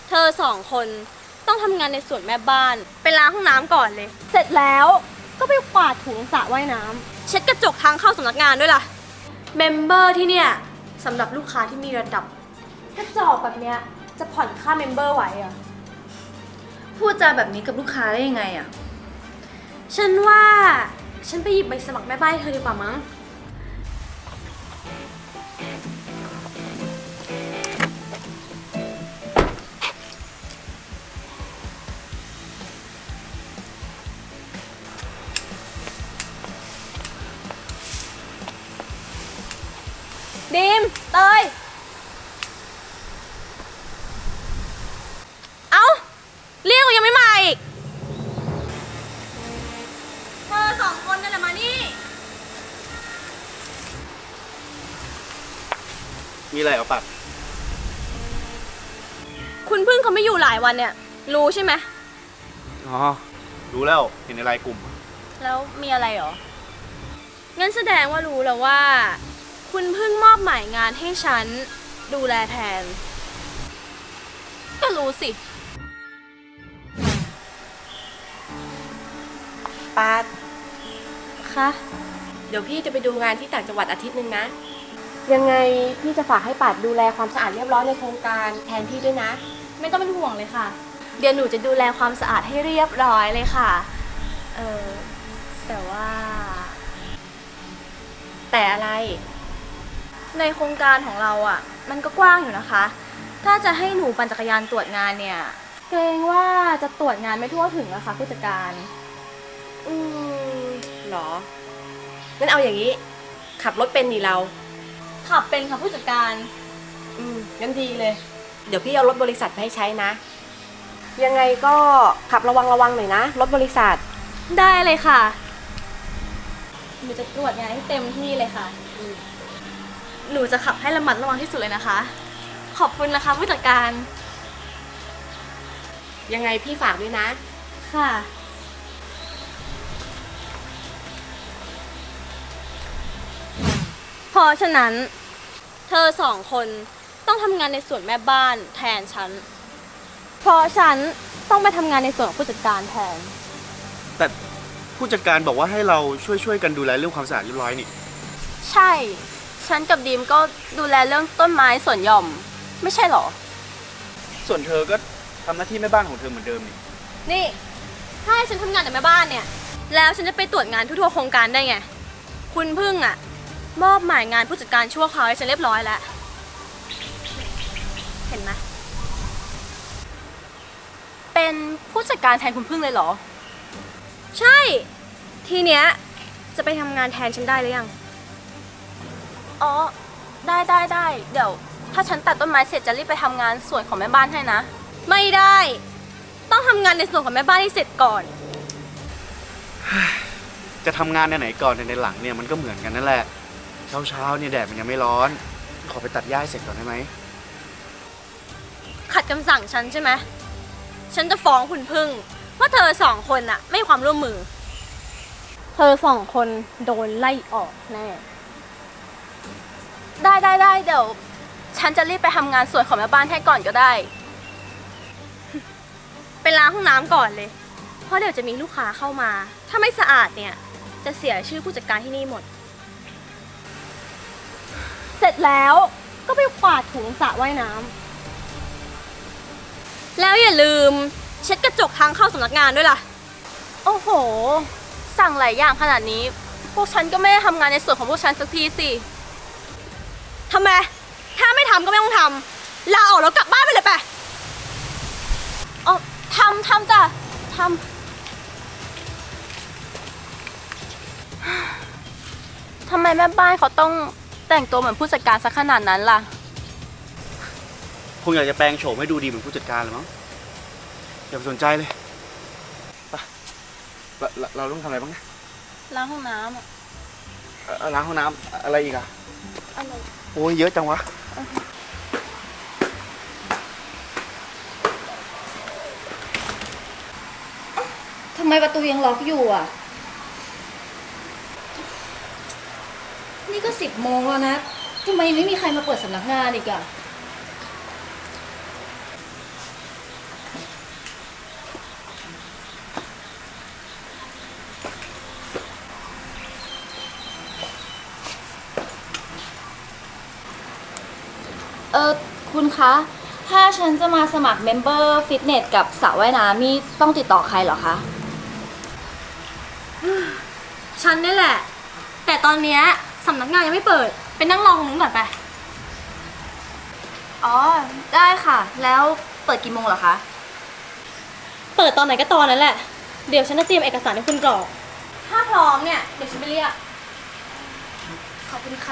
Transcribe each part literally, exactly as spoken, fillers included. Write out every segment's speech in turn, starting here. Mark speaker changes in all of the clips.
Speaker 1: เธอสองคนต้องทำงานในส่วนแม่บ้านไปล้างห้องน้ำก่อนเลยเสร็จแล้วก็ไปกวาดถูสระว่ายน้ำเช็ดกระจกทางเข้าสำนักงานด้วยล่ะเมมเบอร์ที่เนี่ยสำหรับลูกค้าที่มีระดับกระจอกแบบเนี้ยจะผ่อนค่าเมมเบอร์ไหวเหรอ
Speaker 2: พูดจาแบบนี้กับลูกค้าได้ยังไงอ่ะ
Speaker 1: ฉันว่าฉันไปหยิบใบสมัครแม่บ้านให้เธอดีกว่ามั้งดีมเตยเอ้าเรียกก็ยังไม่มาอีกเธอสองคนนั่นแหละมานี่
Speaker 3: มีอะไรเหรอปัด
Speaker 1: คุณพึ่งเขาไม่อยู่หลายวันเนี่ยรู้ใช่ไหม
Speaker 3: อ๋อรู้แล้วเห็นในไลน์กลุ่ม
Speaker 1: แล้วมีอะไรหรองั้นแสดงว่ารู้แล้วว่าคุณพึ่งมอบหมายงานให้ฉันดูแลแทนก็รู้สิ
Speaker 2: ปาด
Speaker 1: คะ
Speaker 2: เดี๋ยวพี่จะไปดูงานที่ต่างจังหวัดอาทิตย์นึงนะ
Speaker 1: ยังไงพี่จะฝากให้ปาดดูแลความสะอาดเรียบร้อยในโครงการแทนพี่ด้วยนะไม่ต้องเป็นห่วงเลยค่ะเดี๋ยวหนูจะดูแลความสะอาดให้เรียบร้อยเลยค่ะเออแต่ว่า
Speaker 2: แต่อะไร
Speaker 1: ในโครงการของเราอ่ะมันก็กว้างอยู่นะคะถ้าจะให้หนูปั่นจักรยานตรวจงานเนี่ยเกรงว่าจะตรวจงานไม่ทั่วถึงนะคะผู้จัดการ
Speaker 2: อืมหรองั้นเอาอย่างนี้ขับรถเป็นนี่เรา
Speaker 1: ขับเป็นค่ะผู้จัดการ
Speaker 2: อืมงั้นดีเลยเดี๋ยวพี่เอารถบริษัทไปให้ใช้นะยังไงก็ขับระวังระวังหน่อยนะรถบริษัท
Speaker 1: ได้เลยค่ะหนูจะตรวจงานให้เต็มที่เลยค่ะหนูจะขับให้ระมัดระวังที่สุดเลยนะคะขอบคุณนะคะผู้จัดการ
Speaker 2: ยังไงพี่ฝากด้วยนะ
Speaker 1: ค่ะเพราะฉะนั้นเธอสองคนต้องทำงานในส่วนแม่บ้านแทนฉันเพราะฉันต้องไปทำงานในส่วนของผู้จัดการแทน
Speaker 3: แต่ผู้จัดการบอกว่าให้เราช่วยช่วยกันดูแลเรื่องความสะอาดเรียบร้อยนี่
Speaker 1: ใช่ฉันกับดีมก็ดูแลเรื่องต้นไม้สวนหย่อมไม่ใช่หรอ
Speaker 3: ส่วนเธอก็ทำหน้าที่แม่บ้านของเธอเหมือนเดิมนี่
Speaker 1: นี่ถ้าให้ฉันทำงานแต่แม่บ้านเนี่ยแล้วฉันจะไปตรวจงานทั่วๆโครงการได้ไงคุณพึ่งอ่ะมอบหมายงานผู้จัดการชั่วคราวให้ฉันเรียบร้อยแล้วเห็นไหม
Speaker 2: เป็นผู้จัดการแทนคุณพึ่งเลยเหรอ
Speaker 1: ใช่ทีเนี้ยจะไปทำงานแทนฉันได้หรือยัง
Speaker 2: อ๋อได้ได้ได้เดี๋ยวถ้าฉันตัดต้นไม้เสร็จจะรีบไปทำงานส่วนของแม่บ้านให้นะ
Speaker 1: ไม่ได้ต้องทำงานในส่วนของแม่บ้านให้เสร็จก่อน
Speaker 3: จะทำงานในไหนก่อนในหลังเนี่ยมันก็เหมือนกันนั่นแหละเช้าเช้าเนี่ยแดดมันยังไม่ร้อนขอไปตัดหญ้าเสร็จก่อนได้ไหม
Speaker 1: ขัดคำสั่งฉันใช่ไหมฉันจะฟ้องคุณพึ่งว่าเธอสองคนอะไม่ความร่วมมือเธอสองคนโดนไล่ออกแน่
Speaker 2: ได้ได้ได้เดี๋ยวฉันจะรีบไปทำงานส่วนของแม่บ้านให้ก่อนก็ได้
Speaker 1: ไปล้างห้องน้ำก่อนเลยเพราะเดี๋ยวจะมีลูกค้าเข้ามาถ้าไม่สะอาดเนี่ยจะเสียชื่อผู้จัดการที่นี่หมดเสร็จแล้วก็ไปกวาดถูสระว่ายน้ำแล้วอย่าลืมเช็ดกระจกทางเข้าสำนักงานด้วยล่ะ
Speaker 2: โอ้โหสั่งหลายอย่างขนาดนี้พวกฉันก็ไม่ได้ทำงานในส่วนของพวกฉันสักทีสิ
Speaker 1: ทำไมถ้าไม่ทำก็ไม่ต้องทำลาออกแล้วกลับบ้านไปเลยไป
Speaker 2: อ๋อทำทำจ้ะทำทำไมแม่บ้านเขาต้องแต่งตัวเหมือนผู้จัดการสักขนาดนั้นล่ะ
Speaker 3: คงอยากจะแปลงโฉมให้ดูดีเหมือนผู้จัดการเลยมั้งอย่าไปสนใจเลยไปเราเราต้องทำอะไรบ้างนะ
Speaker 2: ล้างห้องน้ำอ่ะ
Speaker 3: ล้างห้องน้ำอะไรอีกอ่ะอะไรโอ้ยเยอะจังวะ
Speaker 2: ทำไมประตูยังล็อกอยู่อ่ะนี่ก็สิบโมงแล้วนะทำไมไม่มีใครมาเปิดสำนักงานอีกอ่ะ
Speaker 4: คุณคะ ถ้าฉันจะมาสมัครเมมเบอร์ฟิตเนสกับสระว่ายน้ำนี่ต้องติดต่อใครเหรอคะ
Speaker 1: ฉันนี่แหละ แต่ตอนเนี้ยสำนักงานยังไม่เปิด ไปนั่งรอตรงนู้นก่อนไป
Speaker 4: อ๋อ ได้ค่ะ แล้วเปิดกี่โมงเหรอคะ
Speaker 1: เปิดตอนไหนก็ตอนนั้นแหละ เดี๋ยวฉันจะเตรียมเอกสารให้คุณกรอก ถ้าพร้อมเนี่ย เดี๋ยวฉันไปเรียก
Speaker 4: ขอบคุณค่ะ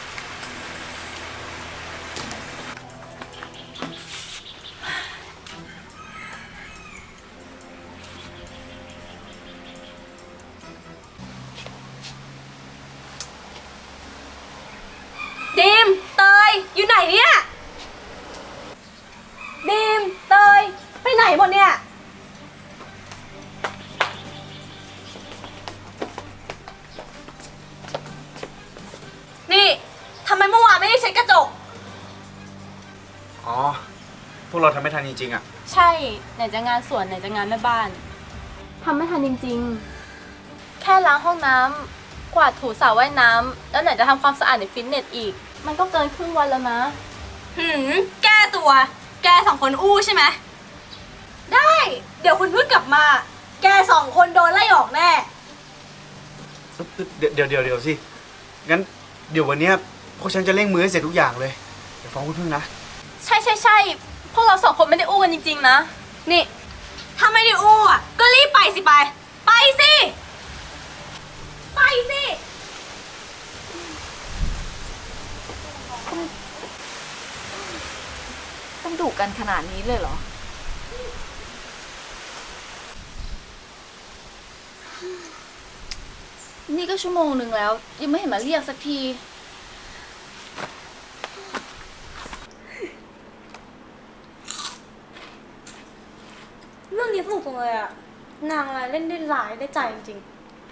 Speaker 1: ดีม เตย อยู่ไหนเนี่ย ดีม เตย ไปไหนหมดเนี่ย นี่ ทำไมเมื่อวานไม่ได้เช็ดกระจก
Speaker 3: อ๋อ พวกเราทำไม่ทันจริงๆอ่ะ
Speaker 1: ใช่ ไหนจะงานสวนไหนจะงานแม่บ้าน ทำไม่ทันจริงๆ แค่ล้างห้องน้ำ กวาดถูสระว่ายน้ำ แล้วไหนจะทำความสะอาดในฟิตเนสอีก มันก็เกินครึ่งวันแล้วนะ หืม แก้ตัว แกสองคนอู้ใช่ไหม ได้ เดี๋ยวคุณพึ่งกลับมา แกสองคนโดนไล่ออกแน่
Speaker 3: เดี๋ยวเดี๋ยวเดี๋ยวเดี๋ยวสิ งั้นเดี๋ยววันเนี้ยพวกฉันจะเร่งมือให้เสร็จทุกอย่างเลย เดี๋ยวฟ้องคุณพึ่งนะ
Speaker 1: ใช่ใช่ใช่พวกเราสองคนไม่ได้อู้กันจริงๆนะ นี่ ถ้าไม่ได้อู้อ่ะ ก็รีบไปสิไป ไปสิ ไปสิ
Speaker 4: ต้องดุกันขนาดนี้เลยเหรอ นี่ก็ชั่วโมงหนึ่งแล้ว ยังไม่เห็นมาเรียกสักที
Speaker 1: เรื่องนี้สนุกจังเลยอ่ะ นางอะไรเล่นได้ร้ายได้ใจจริง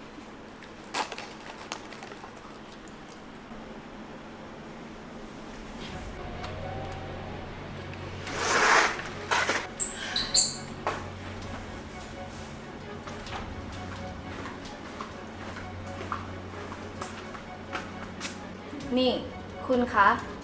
Speaker 1: ๆ
Speaker 4: นี่ คุณคะ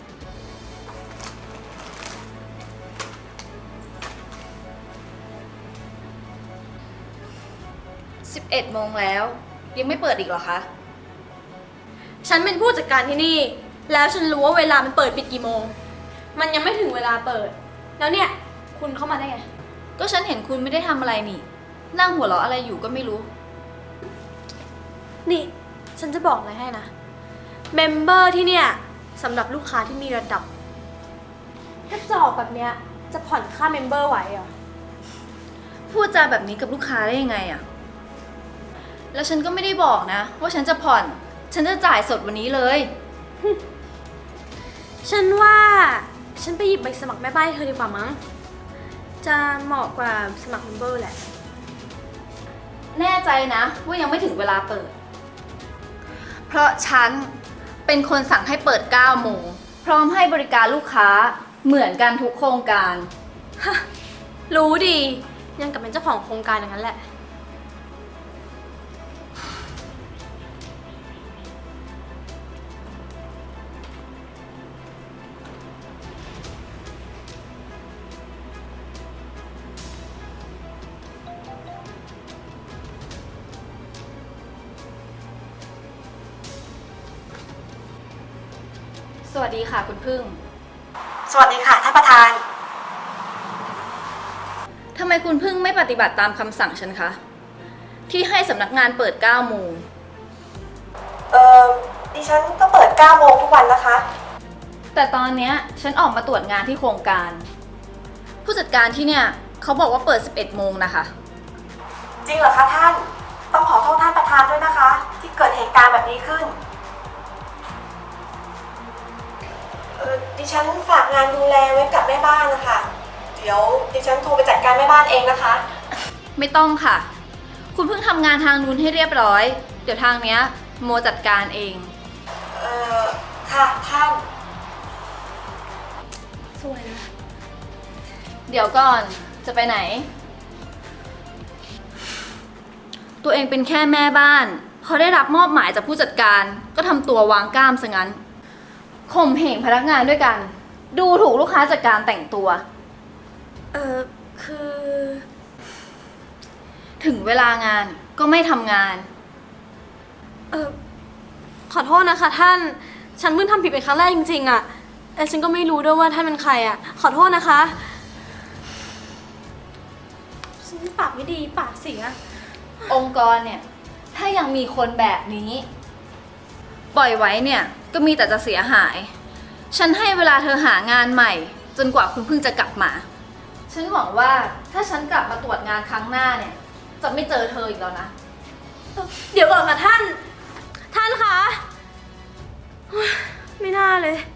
Speaker 4: สิบเอ็ดโมงแล้ว ยังไม่เปิดอีกเหรอคะ
Speaker 1: ฉันเป็นผู้จัดการที่นี่ แล้วฉันรู้ว่าเวลามันเปิดปิดกี่โมง มันยังไม่ถึงเวลาเปิด แล้วเนี่ย คุณเข้ามาได้ไง
Speaker 4: ก็ฉันเห็นคุณไม่ได้ทำอะไรนี่ นั่งหัวเราะอะไรอยู่ก็ไม่รู้
Speaker 1: นี่ ฉันจะบอกอะไรให้นะ เมมเบอร์ที่เนี่ยสำหรับลูกค้าที่มีระดับ ถ้าจอกแบบเนี้ยจะผ่อนค่าเมมเบอร์ไหวเหรอ
Speaker 4: พูดจาแบบนี้กับลูกค้าได้ยังไงอะแล้วฉันก็ไม่ได้บอกนะ ว่าฉันจะผ่อน ฉันจะจ่ายสดวันนี้เลย
Speaker 1: ฉันว่าฉันไปหยิบใบสมัครแม่บ้านให้เธอดีกว่ามั้ง จะเหมาะกว่าสมัครเมมเบอร์แหละ
Speaker 4: แน่ใจนะว่ายังไม่ถึงเวลาเปิด เพราะฉันเป็นคนสั่งให้เปิดเก้าโมง พร้อมให้บริการลูกค้าเหมือนกันทุกโครงการ
Speaker 1: ฮะ รู้ดี ยังกับเป็นเจ้าของโครงการอย่างนั้นแหละ
Speaker 4: สวัสดีค่ะคุณพึ่ง
Speaker 2: สวัสดีค่ะท่านประธาน
Speaker 4: ทำไมคุณพึ่งไม่ปฏิบัติตามคำสั่งฉันคะ ที่ให้สำนักงานเปิดเก้าโมง
Speaker 2: เออดิฉันก็เปิดเก้าโมงทุกวันนะคะ
Speaker 4: แต่ตอนเนี้ยฉันออกมาตรวจงานที่โครงการ ผู้จัดการที่เนี่ยเขาบอกว่าเปิดสิบเอ็ดโมงนะคะ
Speaker 2: จริงเหรอคะท่าน ต้องขอโทษท่านประธานด้วยนะคะ ที่เกิดเหตุการณ์แบบนี้ขึ้น เออดิฉันฝากงานดูแลไว้กับแม่บ้านนะคะ เดี๋ยวดิฉันโทรไปจัดการแม่บ้านเองนะคะ
Speaker 4: ไม่ต้องค่ะ คุณเพิ่งทำงานทางนู้นให้เรียบร้อย เดี๋ยวทางเนี้ยโมจัดการเอง
Speaker 2: เออค่ะท่าน
Speaker 1: สวยนะ
Speaker 4: เดี๋ยวก่อนจะไปไหน ตัวเองเป็นแค่แม่บ้านพอได้รับมอบหมายจากผู้จัดการก็ทำตัววางกล้ามซะงั้นข่มเหงพนักงานด้วยกันดูถูกลูกค้าจากการแต่งตัว
Speaker 1: เออคือ
Speaker 4: ถึงเวลางานก็ไม่ทำงาน
Speaker 1: เออขอโทษนะคะท่าน ฉันเพิ่งทำผิดเป็นครั้งแรกจริงๆอะแต่ฉันก็ไม่รู้ด้วยว่าท่านเป็นใครอะขอโทษนะคะฉันปากไม่ดีปากเสีย
Speaker 4: องค์กรเนี่ย ถ้ายังมีคนแบบนี้ ปล่อยไว้เนี่ย ก็มีแต่จะเสียหาย ฉันให้เวลาเธอหางานใหม่ จนกว่าคุณเพิ่งจะกลับมา ฉันหวังว่าถ้าฉันกลับมาตรวจงานครั้งหน้าเนี่ย จะไม่เจอเธออีกแล้วนะ
Speaker 1: เดี๋ยวก่อนค่ะท่าน ท่านคะ ไม่น่าเลย